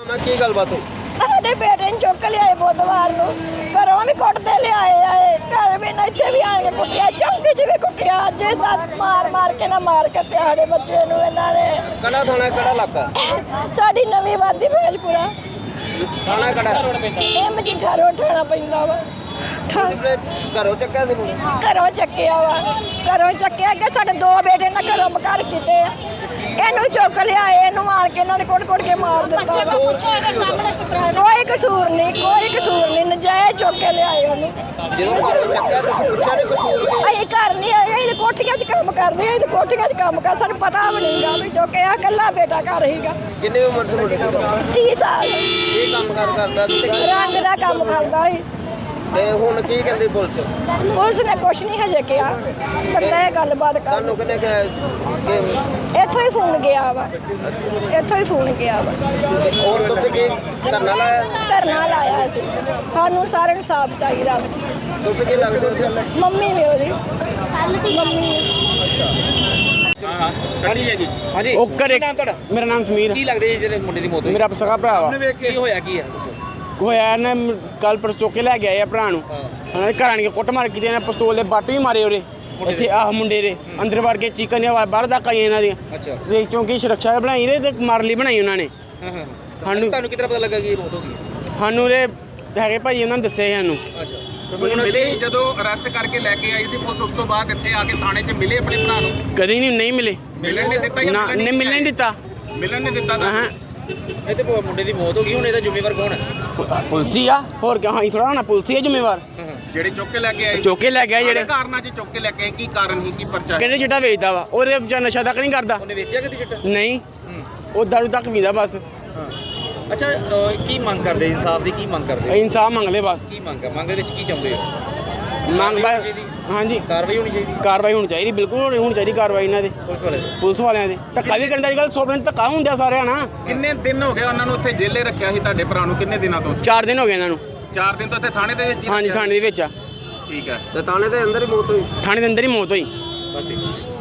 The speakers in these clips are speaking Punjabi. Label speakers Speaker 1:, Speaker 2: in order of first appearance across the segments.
Speaker 1: ਕੀ ਗੱਲਬਾਤ ਹੋਈ?
Speaker 2: ਸਾਡੇ ਬੇਟੇ ਨੂੰ ਚੁੱਕ ਲਿਆਏ ਬੁੱਧਵਾਰ ਨੂੰ, ਘਰੋਂ ਵੀ ਕੁੱਟਦੇ ਲਿਆਏ ਆਏ, ਘਰ ਵੀ ਨਾ ਇੱਥੇ ਵੀ ਆਣ ਕੇ ਕੁੱਟਿਆ, ਚੌਂਕੀ 'ਚ ਵੀ ਕੁੱਟਿਆ, ਅੱਜ ਮਾਰ ਕੇ ਨਾ ਮਾਰ ਕੇ ਤੇ ਸਾਡੇ ਬੱਚੇ ਨੂੰ ਇਹਨਾਂ ਨੇ।
Speaker 1: ਕਿਹੜਾ ਥਾਣਾ ਕਿਹੜਾ ਇਲਾਕਾ?
Speaker 2: ਸਾਡੀ ਨਵੀਂ ਵਾਦੀ ਭੇਜਪੁਰਾ
Speaker 1: ਥਾਣਾ ਕਿਹੜਾ?
Speaker 2: ਇਹ ਮਜੀਠਾ ਰੋਡ ਠਾਣਾ ਪੈਂਦਾ ਵਾ।
Speaker 1: ਘਰੋਂ ਚੱਕਿਆ ਸੀ ਮੁੰਡੇ?
Speaker 2: ਘਰੋਂ ਚੱਕਿਆ ਵਾ, ਘਰੋਂ ਚੱਕਿਆ ਕਿ ਸਾਡੇ ਦੋ ਬੇਟੇ ਨਾ ਘਰੋਂ ਬਕਰ ਕੀਤੇ ਆ, ਇਹਨੂੰ ਚੁੱਕ ਲਿਆਏ, ਇਹਨੂੰ ਮਾਰ ਕੇ ਇਹਨਾਂ ਨੇ ਕੁੱਟ ਕੇ ਮਾਰ ਦਿੱਤਾ। ਕੋਈ ਕਸੂਰ ਨਹੀਂ, ਨਜਾਇਜ਼ ਚੁੱਕ ਕੇ ਲਿਆਏ ਉਹਨੂੰ।
Speaker 1: ਜਦੋਂ ਘਰੋਂ ਚੱਕਿਆ ਤੁਸੀਂ ਪੁੱਛਿਆ ਨਹੀਂ ਕਸੂਰ ਕੀ?
Speaker 2: ਅਸੀਂ ਘਰ ਨਹੀਂ ਆਏ, ਅਸੀਂ ਕੋਠੀਆਂ 'ਚ ਕੰਮ ਕਰਦੇ, ਅਸੀਂ ਕੋਠੀਆਂ 'ਚ ਕੰਮ ਕਰ, ਸਾਨੂੰ ਪਤਾ ਵੀ ਨਹੀਂਗਾ ਵੀ ਚੁੱਕਿਆ। ਇਕੱਲਾ ਬੇਟਾ ਘਰ ਹੀਗਾ।
Speaker 1: ਕਿੰਨੀ ਉਮਰ ਸੀ ਮੁੰਡੇ ਦੀ?
Speaker 2: 30 ਸਾਲ।
Speaker 1: ਕੀ ਕੰਮ ਕਰਦਾ ਸੀ?
Speaker 2: ਰੰਗ ਦਾ ਕੰਮ ਕਰਦਾ ਸੀ।
Speaker 1: ਤੇ ਹੁਣ ਕੀ ਕਹਿੰਦੀ ਪੁਲਿਸ?
Speaker 2: ਪੁਲਿਸ ਨੇ ਕੁਛ ਨਹੀਂ ਹਜੇ ਕਿਹਾ, ਬੰਦਾ ਇਹ ਗੱਲਬਾਤ ਕਰ।
Speaker 1: ਤੁਹਾਨੂੰ ਕਿਹਨੇ ਕਿਹਾ ਕਿ
Speaker 2: ਇੱਥੋਂ ਹੀ ਫੋਨ ਗਿਆ ਵਾ, ਇੱਥੋਂ ਹੀ ਫੋਨ ਗਿਆ ਵਾ।
Speaker 1: ਹੁਣ ਤੁਸੀਂ ਕੀ ਧਰਨਾ ਲਾਇਆ?
Speaker 2: ਧਰਨਾ ਲਾਇਆ ਸੀ, ਸਾਨੂੰ ਸਾਰਿਆਂ ਨੂੰ ਇਨਸਾਫ ਚਾਹੀਦਾ ਵਾ।
Speaker 1: ਤੁਸੀਂ ਕੀ ਲੱਗਦੇ ਹੋ?
Speaker 2: ਮੰਮੀ ਵੀ ਉਹਦੀ ਮੰਮੀ।
Speaker 1: ਹਾਂਜੀ
Speaker 3: ਉਹ ਘਰੇ
Speaker 1: ਨਾਮ ਤੁਹਾਡਾ?
Speaker 3: ਮੇਰਾ ਨਾਮ ਸਮੀਰ।
Speaker 1: ਕੀ ਲੱਗਦੇ ਜੀ ਜਿਹੜੇ ਮੁੰਡੇ ਦੀ ਮੌਤ ਹੋਈ?
Speaker 3: ਮੇਰਾ ਸਗਾ ਭਰਾ ਵਾ।
Speaker 1: ਕੀ ਹੋਇਆ ਕੀ ਹੈ ਦੱਸੋ?
Speaker 3: ਹੋਇਆ ਨਾ ਕੱਲ ਪਰਸੋਂ ਚੁੱਕ ਕੇ ਲੈ ਗਿਆ ਭਰਾ ਨੂੰ। ਉਹਨਾਂ ਦੇ ਘਰ ਆਣ ਕੇ ਕੁੱਟ ਮਾਰ ਕੀਤੀ, ਇਹਨਾਂ ਪਿਸਤੌਲ ਦੇ ਬੱਟ ਵੀ ਮਾਰੇ ਉਹਦੇ ਇੱਥੇ। ਆਹ ਮੁੰਡੇ ਦੇ ਅੰਦਰ ਵੜ ਕੇ ਚੀਕਾਂ ਦੀਆਂ ਆਵਾਜ਼ ਬਾਹਰ ਤੱਕ ਆਈਆਂ ਇਹਨਾਂ ਦੀਆਂ।
Speaker 1: ਅੱਛਾ।
Speaker 3: ਤੇ ਚੌਂਕੀ ਸੁਰੱਖਿਆ ਬਣਾਈ ਰਹੇ ਤੇ ਮਾਰ ਲਈ ਬਣਾਈ ਉਹਨਾਂ ਨੇ। ਸਾਨੂੰ
Speaker 1: ਤੁਹਾਨੂੰ ਕਿਤਨਾ ਪਤਾ ਲੱਗਾ ਕਿ ਇਹ ਮੌਤ ਹੋ ਗਈ?
Speaker 3: ਸਾਨੂੰ ਦੇ ਹੈਗੇ ਭਾਈ ਉਹਨਾਂ ਨੇ ਦੱਸਿਆ ਸਾਨੂੰ।
Speaker 1: ਅੱਛਾ।
Speaker 4: ਹੁਣ ਮਿਲੇ ਜਦੋਂ ਅਰੈਸਟ ਕਰਕੇ ਲੈ ਕੇ ਆਈ ਸੀ ਪੁਲਿਸ, ਉਸ ਤੋਂ ਬਾਅਦ ਇੱਥੇ ਆ ਕੇ ਥਾਣੇ 'ਚ ਮਿਲੇ ਆਪਣੇ ਭਰਾ ਨੂੰ?
Speaker 3: ਕਦੀ ਨਹੀਂ ਮਿਲੇ।
Speaker 4: ਮਿਲਣ ਨਹੀਂ ਦਿੱਤਾ?
Speaker 3: ਨਾ ਨਹੀਂ ਮਿਲਣ ਨਹੀਂ ਦਿੱਤਾ।
Speaker 4: ਮਿਲਣ ਨਹੀਂ ਦਿੱਤਾ ਤਾਂ
Speaker 3: ਹਾਂ
Speaker 1: ਇਹ ਤੇ ਮੁੰਡੇ ਦੀ ਮੌਤ ਹੋ ਗਈ, ਹੁਣ ਇਹਦਾ ਜ਼ਿੰਮੇਵਾਰ ਕੌਣ ਹੈ?
Speaker 3: ਪੁਲਸੀ ਆ, ਹੋਰ ਕਿਉਂ? ਹਾਂ ਥੋੜਾ ਹੋਣਾ, ਪੁਲਸੀ ਹੈ ਜ਼ਿੰਮੇਵਾਰ।
Speaker 4: ਜਿਹੜੇ ਚੁੱਕ ਕੇ ਲੈ ਕੇ ਆਏ?
Speaker 3: ਚੁੱਕ ਕੇ ਲੈ ਗਿਆ ਜਿਹੜੇ
Speaker 4: ਕਾਰਨਾਂ 'ਚ ਚੁੱਕ ਕੇ ਲੈ ਕੇ ਆਏ, ਕੀ ਕਾਰਨ ਸੀ, ਕੀ ਪਰਚਾ?
Speaker 3: ਕਹਿੰਦੇ ਚਿੱਟਾ ਵੇਚਦਾ ਵਾ, ਉਹਦੇ ਵਿਚਾਰ ਨਸ਼ਾ ਤੱਕ ਨਹੀਂ ਕਰਦਾ।
Speaker 1: ਉਹਨੇ ਵੇਚਿਆ ਕਿਤੇ ਚਿੱਟਾ?
Speaker 3: ਨਹੀਂ, ਉਹ ਦਾਰੂ ਤੱਕ ਪੀਂਦਾ ਬਸ।
Speaker 1: ਅੱਛਾ, ਕੀ ਮੰਗ ਕਰਦੇ? ਇਨਸਾਫ ਦੀ ਕੀ ਮੰਗ ਕਰਦੇ?
Speaker 3: ਇਨਸਾਫ ਮੰਗ ਲੈ ਬਸ।
Speaker 1: ਕੀ ਮੰਗ ਹੈ? ਮੰਗ ਦੇ ਵਿੱਚ ਕੀ ਚਾਹੁੰਦੇ ਹੋ?
Speaker 3: ਮੰਗ ਬਸ ਹਾਂਜੀ
Speaker 1: ਕਾਰਵਾਈ ਹੋਣੀ ਚਾਹੀਦੀ?
Speaker 3: ਕਾਰਵਾਈ ਹੋਣੀ ਚਾਹੀਦੀ, ਬਿਲਕੁਲ ਹੋਣੀ ਚਾਹੀਦੀ ਕਾਰਵਾਈ ਇਹਨਾਂ ਦੇ, ਪੁਲਿਸ ਵਾਲਿਆਂ ਦੇ। ਧੱਕਾ ਵੀ ਕਰਦਾ ਅੱਜ ਕੱਲ੍ਹ 100% ਧੱਕਾ ਹੁੰਦਾ ਸਾਰਿਆਂ ਨਾਲ।
Speaker 4: ਕਿੰਨੇ ਦਿਨ ਹੋ ਗਏ ਉਹਨਾਂ ਨੂੰ ਉੱਥੇ ਜੇਲੇ ਰੱਖਿਆ ਸੀ ਤੁਹਾਡੇ ਭਰਾ ਨੂੰ? ਕਿੰਨੇ ਦਿਨਾਂ ਤੋਂ?
Speaker 3: 4 ਦਿਨ ਹੋ ਗਏ ਇਹਨਾਂ ਨੂੰ।
Speaker 4: 4 ਦਿਨ ਤੋਂ ਇੱਥੇ ਥਾਣੇ ਦੇ ਵਿੱਚ ਹੀ
Speaker 3: ਹਾਂਜੀ
Speaker 4: ਰੱਖਿਆ?
Speaker 3: ਥਾਣੇ ਦੇ ਵਿੱਚ ਆ।
Speaker 4: ਠੀਕ ਹੈ।
Speaker 1: ਤੇ ਥਾਣੇ ਦੇ ਅੰਦਰ ਹੀ ਮੌਤ ਹੋਈ?
Speaker 3: ਥਾਣੇ ਦੇ ਅੰਦਰ ਹੀ ਮੌਤ ਹੋਈ।
Speaker 1: ਬਸ ਠੀਕ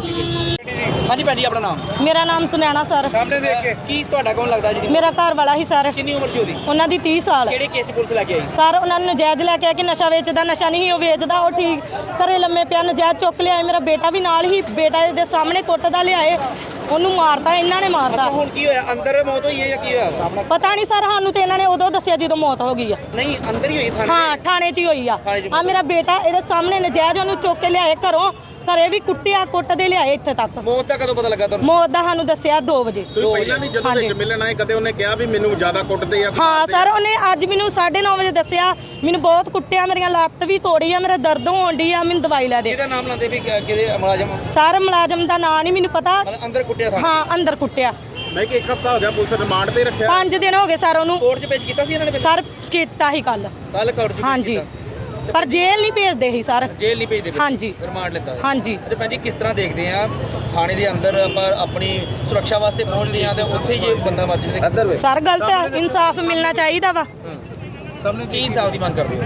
Speaker 1: ਹਾਂਜੀ ਭੈਣ ਜੀ, ਆਪਣਾ ਨਾਮ?
Speaker 2: ਮੇਰਾ ਨਾਮ ਸੁਨੈਣਾ ਸਰ।
Speaker 1: ਸਾਹਮਣੇ ਦੇਖ ਕੇ ਕੀ ਤੁਹਾਡਾ ਕੌਣ ਲੱਗਦਾ ਜੀ?
Speaker 2: ਮੇਰਾ ਘਰ ਵਾਲਾ ਹੀ ਸਰ।
Speaker 1: ਕਿੰਨੀ ਉਮਰ ਸੀ ਉਹਦੀ?
Speaker 2: ਉਹਨਾਂ ਦੀ 30 ਸਾਲ।
Speaker 1: ਕਿਹੜੇ ਕੇਸ 'ਚ ਪੁਲਿਸ ਲੈ ਕੇ ਆਈ?
Speaker 2: ਸਰ ਉਹਨਾਂ ਨੂੰ ਨਜਾਇਜ਼ ਲੈ ਕੇ ਆ ਕਿ ਨਸ਼ਾ ਵੇਚਦਾ, ਨਸ਼ਾ ਨਹੀਂ ਉਹ ਵੇਚਦਾ, ਉਹ ਠੀਕ ਘਰੇ ਲੰਮੇ ਪਿਆ, ਨਜਾਇਜ਼ ਚੁੱਕ ਲਿਆਏ। ਮੇਰਾ ਬੇਟਾ ਵੀ ਨਾਲ ਹੀ, ਬੇਟਾ ਦੇ ਸਾਹਮਣੇ ਕੁੱਟਦਾ ਲਿਆਏ, ਉਹਨੂੰ ਮਾਰਦਾ, ਇਹਨਾਂ ਨੇ ਮਾਰਦਾ।
Speaker 1: ਹੁਣ ਕੀ ਹੋਇਆ? ਅੰਦਰ ਮੌਤ ਹੋਈ ਹੈ ਜਾਂ ਕੀ ਹੋਇਆ?
Speaker 2: ਪਤਾ ਨਹੀਂ ਸਰ, ਸਾਨੂੰ ਤੇ ਇਹਨਾਂ ਨੇ ਉਦੋਂ ਦੱਸਿਆ ਜਦੋਂ ਮੌਤ ਹੋ ਗਈ ਆ।
Speaker 1: ਨਹੀਂ, ਅੰਦਰ ਹੀ ਹੋਈ ਥਾਣੇ?
Speaker 2: ਹਾਂ ਥਾਣੇ 'ਚ ਹੀ ਹੋਈ ਆ। ਆ ਮੇਰਾ ਬੇਟਾ ਇਹਦੇ ਸਾਹਮਣੇ ਨਜਾਇਜ਼ ਉਹਨੂੰ ਚੁੱਕ ਕੇ ਲਿਆਏ ਘਰੋਂ, ਘਰੇ ਵੀ ਕੁੱਟਿਆ, ਕੁੱਟਦੇ ਲਿਆਏ ਇੱਥੇ ਤੱਕ।
Speaker 1: ਮੌਤ ਦਾ ਕਦੋਂ ਪਤਾ ਲੱਗਾ ਤੁਹਾਨੂੰ?
Speaker 2: ਮੌਤ ਦਾ ਸਾਨੂੰ ਦੱਸਿਆ 2 ਵਜੇ।
Speaker 4: ਤੁਸੀਂ ਪਹਿਲਾਂ ਵੀ ਜਦੋਂ ਵਿੱਚ ਮਿਲਣ ਆਏ ਕਦੇ ਉਹਨੇ ਕਿਹਾ ਵੀ ਮੈਨੂੰ ਜ਼ਿਆਦਾ ਕੁੱਟਦੇ ਆ?
Speaker 2: ਹਾਂ ਸਰ, ਉਹਨੇ ਅੱਜ ਮੈਨੂੰ 9:30 ਵਜੇ ਦੱਸਿਆ, ਮੈਨੂੰ ਬਹੁਤ ਕੁੱਟਿਆ, ਮੇਰੀਆਂ ਲੱਤ ਵੀ ਤੋੜੀ ਆ, ਮੇਰਾ ਦਰਦ ਹੋਣ ਡਈ ਆ, ਮੈਨੂੰ ਦਵਾਈ ਲੈ ਦੇ।
Speaker 1: ਇਹਦਾ ਨਾਮ ਲਾਉਂਦੇ ਵੀ ਕਿਹਦੇ ਮੁਲਾਜ਼ਮ?
Speaker 2: ਸਰ ਮੁਲਾਜ਼ਮ ਦਾ ਨਾਂ ਨਹੀਂ ਮੈਨੂੰ ਪਤਾ।
Speaker 1: ਅੰਦਰ ਕੁੱਟਿਆ ਥਾਣੇ?
Speaker 2: ਹਾਂ ਅੰਦਰ ਕੁੱਟਿਆ।
Speaker 4: ਮੈਂ ਕਿ 1 ਹਫ਼ਤਾ ਹੋ ਗਿਆ ਪੁਲਿਸ ਰਿਮਾਂਡ ਤੇ ਰੱਖਿਆ?
Speaker 2: 5 ਦਿਨ ਹੋ ਗਏ ਸਰ ਉਹਨੂੰ।
Speaker 1: ਕੋਰਟ 'ਚ ਪੇਸ਼ ਕੀਤਾ ਸੀ ਇਹਨਾਂ ਨੇ?
Speaker 2: ਸਰ ਕੀਤਾ ਹੀ ਕੱਲ
Speaker 1: ਕੋਰਟ 'ਚ?
Speaker 2: ਹਾਂਜੀ, ਪਰ ਜੇਲ੍ਹ ਨਹੀਂ ਭੇਜਦੇ ਸੀ ਸਰ।
Speaker 1: ਜੇਲ੍ਹ ਨਹੀਂ ਭੇਜਦੇ?
Speaker 2: ਹਾਂਜੀ।
Speaker 1: ਰਿਮਾਂਡ ਲੈਂਦਾ?
Speaker 2: ਹਾਂਜੀ।
Speaker 1: ਤੇ ਭੈਣ ਜੀ, ਕਿਸ ਤਰ੍ਹਾਂ ਦੇਖਦੇ ਆ ਥਾਣੇ ਦੇ ਅੰਦਰ ਆਪਾਂ ਆਪਣੀ ਸੁਰੱਖਿਆ ਵਾਸਤੇ ਪਹੁੰਚਦੇ ਆ ਤੇ ਉੱਥੇ ਹੀ ਜੇ ਬੰਦਾ ਮਰ ਜਾਵੇ?
Speaker 2: ਸਰ ਗਲਤ ਹੈ, ਇਨਸਾਫ ਮਿਲਣਾ ਚਾਹੀਦਾ ਵਾ।
Speaker 1: ਕੀ ਇਨਸਾਫ ਦੀ ਮੰਗ ਕਰਦੇ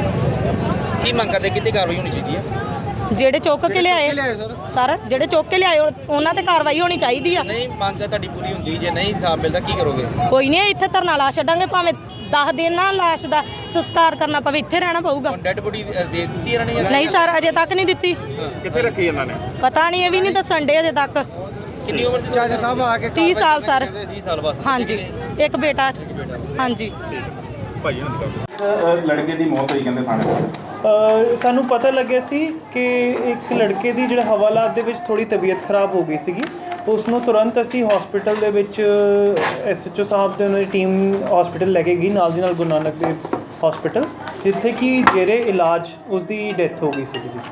Speaker 1: ਹੋ? ਕੀ ਮੰਗ ਕਰਦੇ? ਕਿਤੇ ਕਾਰਵਾਈ ਹੋਣੀ ਚਾਹੀਦੀ ਹੈ?
Speaker 2: ਜਿਹੜੇ ਚੁੱਕ ਕੇ ਲਿਆਏ ਸਰ, ਜਿਹੜੇ ਚੁੱਕ ਕੇ ਲਿਆਏ ਉਹਨਾਂ ਤੇ ਕਾਰਵਾਈ ਹੋਣੀ ਚਾਹੀਦੀ ਆ।
Speaker 1: ਨਹੀਂ ਮੰਗ ਤੁਹਾਡੀ ਪੂਰੀ ਹੁੰਦੀ, ਜੇ ਨਹੀਂ ਇਨਸਾਫ ਮਿਲਦਾ ਕੀ ਕਰੋਗੇ?
Speaker 2: ਕੋਈ ਨਹੀਂ, ਇੱਥੇ ਧਰਨਾ ਲਾ ਛੱਡਾਂਗੇ, ਭਾਵੇਂ 10 ਦਿਨ ਨਾ ਲਾਸ਼ ਦਾ ਸੰਸਕਾਰ ਕਰਨਾ ਪਵੇ, ਇੱਥੇ ਰਹਿਣਾ ਪਊਗਾ।
Speaker 1: ਡੈਡ ਬੋਡੀ ਦੇ ਦਿੱਤੀ ਇਹਨਾਂ ਨੇ?
Speaker 2: ਨਹੀਂ ਸਰ, ਅਜੇ ਤੱਕ ਨਹੀਂ ਦਿੱਤੀ।
Speaker 4: ਕਿੱਥੇ ਰੱਖੀ ਇਹਨਾਂ ਨੇ?
Speaker 2: ਪਤਾ ਨਹੀਂ, ਇਹ ਵੀ ਨਹੀਂ ਦੱਸਣ ਡੇ ਅਜੇ ਤੱਕ।
Speaker 1: ਕਿੰਨੀ ਉਮਰ ਸੀ?
Speaker 4: ਜੱਜ ਸਾਹਿਬ ਆ ਕੇ
Speaker 2: 30 ਸਾਲ ਸਰ।
Speaker 1: 30 ਸਾਲ ਬਸ?
Speaker 2: ਹਾਂਜੀ, ਇੱਕ ਬੇਟਾ। ਹਾਂਜੀ।
Speaker 4: ਭਾਈ ਲੜਕੇ ਦੀ ਮੌਤ ਹੋਈ ਕਹਿੰਦੇ ਥਾਣੇ?
Speaker 5: ਸਾਨੂੰ ਪਤਾ ਲੱਗਿਆ ਸੀ ਕਿ ਇੱਕ ਲੜਕੇ ਦੀ ਜਿਹੜਾ ਹਵਾਲਾਤ ਦੇ ਵਿੱਚ ਥੋੜੀ ਤਬੀਅਤ ਖਰਾਬ ਹੋ ਗਈ ਸੀਗੀ। ਉਸ ਨੂੰ ਤੁਰੰਤ ਅਸੀਂ ਹਸਪੀਟਲ ਦੇ ਵਿੱਚ SHO ਸਾਹਿਬ ਦੇ ਉਹਨਾਂ ਦੀ ਟੀਮ ਹਸਪੀਟਲ ਲੈ ਕੇ ਗਈ, ਨਾਲ ਦੀ ਨਾਲ ਗੁਰੂ ਨਾਨਕ ਦੇਵ ਹਸਪੀਟਲ, ਜਿੱਥੇ ਕਿ ਜੇਰੇ ਇਲਾਜ ਉਸ ਦੀ ਡੈਥ ਹੋ ਗਈ ਸੀਗੀ ਜੀ।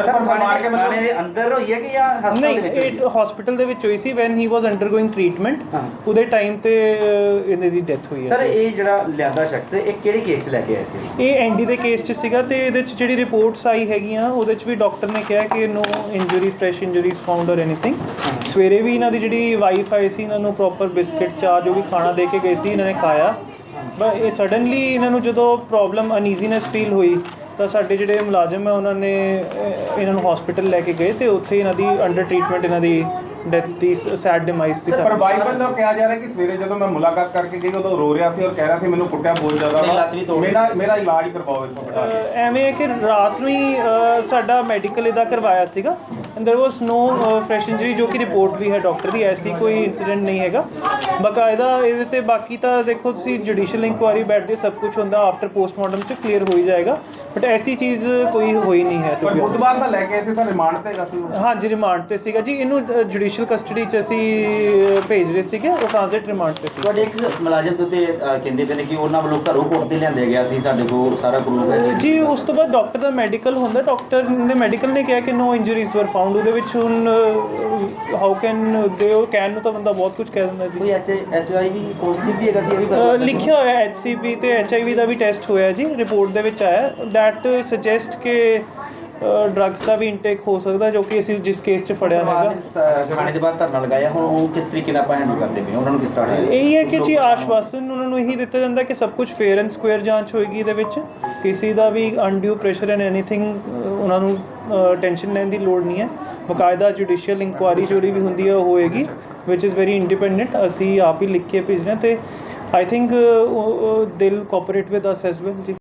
Speaker 1: ਥਾਣੇ ਦੇ ਅੰਦਰ ਹੋਈ ਹੈ ਕਿ ਜਾਂ ਹਸਪਤਾਲ ਦੇ ਵਿੱਚ?
Speaker 5: ਨਹੀਂ, ਇਹ ਹਸਪੀਟਲ ਦੇ ਵਿੱਚ ਹੋਈ ਸੀ when he was undergoing treatment. ਉਹਦੇ ਟਾਈਮ ਤੇ ਇਹਨਾਂ ਦੀ ਡੈਥ ਹੋਈ ਹੈ।
Speaker 1: ਸਰ ਇਹ ਜਿਹੜਾ ਲਿਆਂਦਾ ਸ਼ਖਸ ਇਹ ਕਿਹੜੇ ਕੇਸ 'ਚ ਲੈ ਕੇ ਆਏ ਸੀ?
Speaker 5: ਇਹ ND ਦੇ ਕੇਸ 'ਚ ਸੀਗਾ, ਤੇ ਇਹਦੇ 'ਚ ਜਿਹੜੀ ਰਿਪੋਰਟਸ ਆਈ ਹੈਗੀਆਂ ਉਹਦੇ 'ਚ ਵੀ ਡਾਕਟਰ ਨੇ ਕਿਹਾ ਕਿ no injury, fresh injuries found or anything. ਸਵੇਰੇ ਵੀ ਇਹਨਾਂ ਦੀ ਜਿਹੜੀ ਵਾਈਫ ਆਈ ਸੀ, ਇਹਨਾਂ ਨੂੰ ਪ੍ਰੋਪਰ ਬਿਸਕਿਟ, ਚਾਹ ਜੋ ਵੀ ਖਾਣਾ ਦੇ ਕੇ ਗਏ ਸੀ, ਇਹਨਾਂ ਨੇ ਖਾਇਆ। ਬਟ ਇਹ ਸਡਨਲੀ ਇਹਨਾਂ ਨੂੰ ਜਦੋਂ ਪ੍ਰੋਬਲਮ ਅਨਈਜ਼ੀਨੈਸ ਫੀਲ ਹੋਈ ਤਾਂ ਸਾਡੇ ਜਿਹੜੇ ਮੁਲਾਜ਼ਮ ਹੈ ਉਹਨਾਂ ਨੇ ਇਹਨਾਂ ਨੂੰ ਹਸਪੀਟਲ ਲੈ ਕੇ ਗਏ, ਤੇ ਉੱਥੇ ਇਹਨਾਂ ਦੀ ਅੰਡਰ ਟ੍ਰੀਟਮੈਂਟ ਇਹਨਾਂ ਦੀ ਡੈਥ ਦੀ ਸੈਡ ਡਿਮਾਈਸ ਦੀ
Speaker 4: ਪਰ ਬਾਈਬਲ ਦਾ ਕਿਹਾ ਜਾ ਰਿਹਾ ਕਿ ਸਵੇਰੇ ਜਦੋਂ ਮੈਂ ਮੁਲਾਕਾਤ ਕਰਕੇ ਗਈ ਉਦੋਂ ਰੋ ਰਿਹਾ ਸੀ ਔਰ ਕਹਿ ਰਿਹਾ ਸੀ ਮੈਨੂੰ ਕੁੱਟਿਆ ਬਹੁਤ ਜ਼ਿਆਦਾ ਮੇਰਾ ਇਲਾਜ ਕਰਵਾਓ ਇੱਥੋਂ ਬਿਠਾ ਕੇ।
Speaker 5: ਐਵੇਂ ਹੈ ਕਿ ਰਾਤ ਨੂੰ ਹੀ ਸਾਡਾ ਮੈਡੀਕਲ ਇਹਦਾ ਕਰਵਾਇਆ ਸੀਗਾ and there was no fresh injury ਜੋ ਕਿ ਰਿਪੋਰਟ ਵੀ ਹੈ ਡਾਕਟਰ ਦੀ, ਐਸੀ ਕੋਈ ਇਨਸੀਡੈਂਟ ਨਹੀਂ ਹੈਗਾ ਬਕਾਇਦਾ ਇਹਦੇ ਤੇ। ਬਾਕੀ ਤਾਂ ਦੇਖੋ ਤੁਸੀਂ ਜੁਡੀਸ਼ੀਅਲ ਇਨਕੁਆਇਰੀ ਬੈਠਦੇ ਸਭ ਕੁਝ ਹੁੰਦਾ ਆਫਟਰ ਪੋਸਟਮਾਰਟਮ 'ਚ ਕਲੀਅਰ ਹੋ ਹੀ ਜਾਏਗਾ, ਬਟ ਐਸੀ ਚੀਜ਼ ਕੋਈ ਹੋਈ ਨਹੀਂ ਹੈ।
Speaker 4: ਪਰ ਬੁੱਧਵਾਰ ਦਾ ਲੈ ਕੇ ਆਏ ਸੀ ਸਰ ਰਿਮਾਂਡ ਤੇ ਹੈਗਾ ਸੀ ਉਹ?
Speaker 5: ਹਾਂਜੀ ਰਿਮਾਂਡ ਤੇ ਸੀਗਾ ਜੀ, ਇਹਨੂੰ ਜੁਡੀਸ਼ੀਅਲ ਕਸਟਡੀ 'ਚ ਅਸੀਂ ਭੇਜ ਰਹੇ ਸੀਗੇ, ਉਹ ਟ੍ਰਾਂਜ਼ਿਟ ਰਿਮਾਂਡ ਤੇ ਸੀ।
Speaker 6: ਤੁਹਾਡੇ ਇੱਕ ਮੁਲਾਜ਼ਮ ਦੇ ਉੱਤੇ ਕਹਿੰਦੇ ਪਏ ਨੇ ਕਿ ਉਹਨਾਂ ਵੱਲੋਂ ਘਰੋਂ ਕੋਰਟ ਤੇ ਲਿਆਂਦੇ ਗਿਆ ਸੀ, ਸਾਡੇ ਕੋਲ ਸਾਰਾ ਪ੍ਰੂਫ ਹੈ
Speaker 5: ਜੀ। ਉਸ ਤੋਂ ਬਾਅਦ ਡਾਕਟਰ ਦਾ ਮੈਡੀਕਲ ਹੁੰਦਾ, ਡਾਕਟਰ ਨੇ ਮੈਡੀਕਲ ਨੇ ਕਿਹਾ ਕਿ ਨੋ ਇੰਜਰੀਜ਼ ਵਰ ਫਾਊਂਡ। ਉਹਦੇ ਵਿੱਚ ਹੁਣ ਹਾਊ ਕੈਨ ਦੇ, ਉਹ ਕੈਨ ਨੂੰ ਤਾਂ ਬੰਦਾ ਬਹੁਤ ਕੁਝ ਕਹਿ ਦਿੰਦਾ ਜੀ।
Speaker 6: ਕੋਈ HIV ਪੋਜ਼ਿਟਿਵ ਵੀ ਹੈਗਾ ਸੀ, ਇਹ ਵੀ ਪਤਾ
Speaker 5: ਲਿਖਿਆ ਹੋਇਆ HCV ਤੇ HIV ਦਾ ਵੀ ਟੈਸਟ ਹੋਇਆ ਜੀ, ਰਿਪੋਰਟ ਦੇ ਵਿੱਚ ਆਇਆ ਦੈਟ ਸੁਜੈਸਟ ਕਿ ਡਰੱਗਸ ਦਾ ਵੀ ਇਨਟੇਕ ਹੋ ਸਕਦਾ, ਜੋ ਕਿ ਅਸੀਂ ਜਿਸ ਕੇਸ 'ਚ ਫੜਿਆ ਹੈਗਾ।
Speaker 6: ਖਾਣੇ ਦੇ ਬਾਹਰ ਧਰਨਾ ਲਗਾਇਆ, ਹੁਣ ਉਹ ਕਿਸ ਤਰੀਕੇ ਨਾਲ ਆਪਾਂ ਹੈਂਡਲ ਕਰਦੇ ਪਏ, ਉਹਨਾਂ ਨੂੰ ਕਿਸ ਤਰ੍ਹਾਂ
Speaker 5: ਇਹੀ ਹੈ ਕਿ ਜੀ ਆਸ਼ਵਾਸਨ ਉਹਨਾਂ ਨੂੰ ਇਹੀ ਦਿੱਤਾ ਜਾਂਦਾ ਕਿ ਸਭ ਕੁਝ ਫੇਅਰ ਐਂਡ ਸਕੁਅਰ ਜਾਂਚ ਹੋਏਗੀ, ਇਹਦੇ ਵਿੱਚ ਕਿਸੇ ਦਾ ਵੀ ਅਨਡਿਊ ਪ੍ਰੈਸ਼ਰ ਐਂਡ ਐਨੀਥਿੰਗ ਉਹਨਾਂ ਨੂੰ ਟੈਨਸ਼ਨ ਲੈਣ ਦੀ ਲੋੜ ਨਹੀਂ ਹੈ। ਬਕਾਇਦਾ ਜੁਡੀਸ਼ੀਅਲ ਇਨਕੁਆਇਰੀ ਜਿਹੜੀ ਵੀ ਹੁੰਦੀ ਹੈ ਉਹ ਹੋਏਗੀ ਵਿਚ ਇਜ਼ ਵੈਰੀ ਇੰਡੀਪੈਂਡੈਂਟ। ਅਸੀਂ ਆਪ ਹੀ ਲਿਖ ਕੇ ਭੇਜਣਾ ਤੇ I think they'll cooperate with us as well ਜੀ।